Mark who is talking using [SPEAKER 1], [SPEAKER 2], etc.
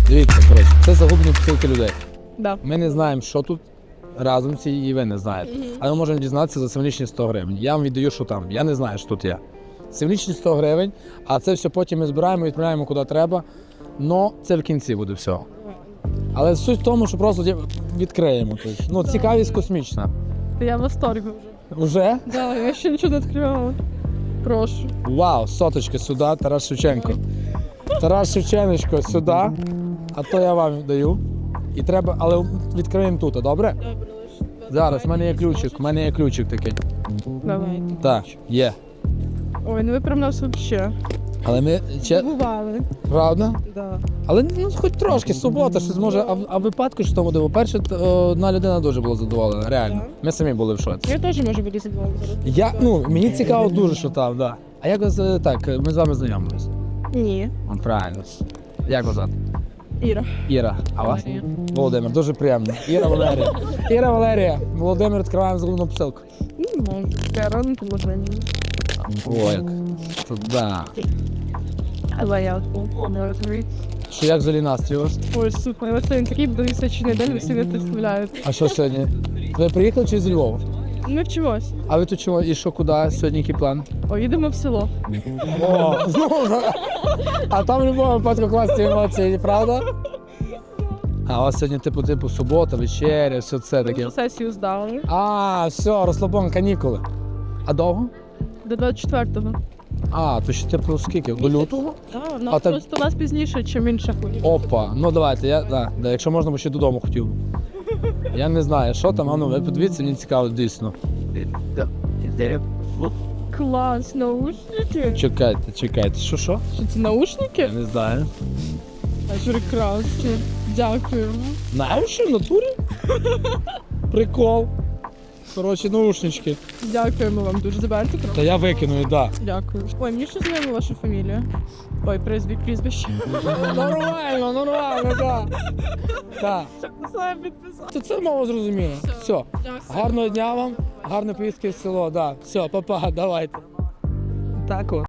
[SPEAKER 1] Дивіться, коротше, це загублені посилки людей.
[SPEAKER 2] Да.
[SPEAKER 1] Ми не знаємо, що тут разом ці, і ви не знаєте. Але ми можемо дізнатися за символічні 100 гривень. Я вам віддаю, що там. Я не знаю, що тут є. Символічні 100 гривень, а це все потім ми збираємо, відправляємо куди треба. Но це в кінці буде все. Але суть в тому, що просто відкриємо. Тобто, ну, цікавість космічна.
[SPEAKER 2] Я в восторге уже.
[SPEAKER 1] Уже?
[SPEAKER 2] Да, я ще нічого не відкривала. Прошу.
[SPEAKER 1] Вау, соточки сюди, Тарас Шевченко. Тарас Шевченко сюди, а то я вам даю. І треба, але відкриємо тут, добре?
[SPEAKER 2] Добре, лише.
[SPEAKER 1] Зараз, в мене є ключик такий.
[SPEAKER 2] Давай.
[SPEAKER 1] Так, є.
[SPEAKER 2] Ой, ну ви прям нас вообще
[SPEAKER 1] Але ми,
[SPEAKER 2] бували.
[SPEAKER 1] правда?
[SPEAKER 2] Да.
[SPEAKER 1] Але ну, хоч трошки, субота, щось може, а випадку що тому диво. Перше, одна людина дуже була задоволена, реально. Ми самі були в шоці.
[SPEAKER 2] Я теж можу бути задоволена.
[SPEAKER 1] Мені цікаво дуже, що там, да. А як вас, так, ми з вами знайомились?
[SPEAKER 2] Ні.
[SPEAKER 1] Правильно. Як вас звати?
[SPEAKER 2] Іра.
[SPEAKER 1] Іра. А вас?
[SPEAKER 2] Валерія.
[SPEAKER 1] Володимир, дуже приємно. Іра Валерія. Іра Валерія. Володимир, відкриваємо загубну посилку.
[SPEAKER 2] Не можу. Рано положення.
[SPEAKER 1] О, як. Тут, да.
[SPEAKER 2] Але я не розумію.
[SPEAKER 1] Що як взагалі настрій у вас?
[SPEAKER 2] Ой, супер. Ось цей такий буде височений день, ви всі не представляєте.
[SPEAKER 1] А що сьогодні? Ви приїхали чи з Львова?
[SPEAKER 2] Ну чогось.
[SPEAKER 1] А ви тут чого? І що, куди? Сьогодні який план?
[SPEAKER 2] О, їдемо в село.
[SPEAKER 1] О, а там в будь-якому випадку класні емоції, правда? А у вас сьогодні типу субота, вечеря, все це таке.
[SPEAKER 2] Вже сесію здали.
[SPEAKER 1] А, все, розслабон, канікули. А довго?
[SPEAKER 2] До 24-го.
[SPEAKER 1] А, то ще типу скільки? До лютого?
[SPEAKER 2] Так,
[SPEAKER 1] А так-
[SPEAKER 2] просто у нас пізніше, ніж інших.
[SPEAKER 1] Опа, ну давайте, якщо можна, бо ще додому хотів. Я не знаю, що там, а ну ви подивіться, мені цікаво дійсно.
[SPEAKER 2] Клас, наушники.
[SPEAKER 1] Чекайте, що?
[SPEAKER 2] Що це наушники?
[SPEAKER 1] Я не знаю.
[SPEAKER 2] Прекрасно. Дякую.
[SPEAKER 1] Знаєш, в натурі? Прикол. Коротше, наушнички.
[SPEAKER 2] Дякуємо вам дуже. Заберете
[SPEAKER 1] Та
[SPEAKER 2] кров?
[SPEAKER 1] я викину, да.
[SPEAKER 2] Дякую. Ой, мені ще знайома ваша фамілія. Ой, прізвище.
[SPEAKER 1] Нормально, так. Так.
[SPEAKER 2] Саме підписав.
[SPEAKER 1] То це мало зрозуміло. Все.
[SPEAKER 2] Дякую.
[SPEAKER 1] Гарного дня вам, гарної поїздки в село, да. Все, па-па, давайте. Так от.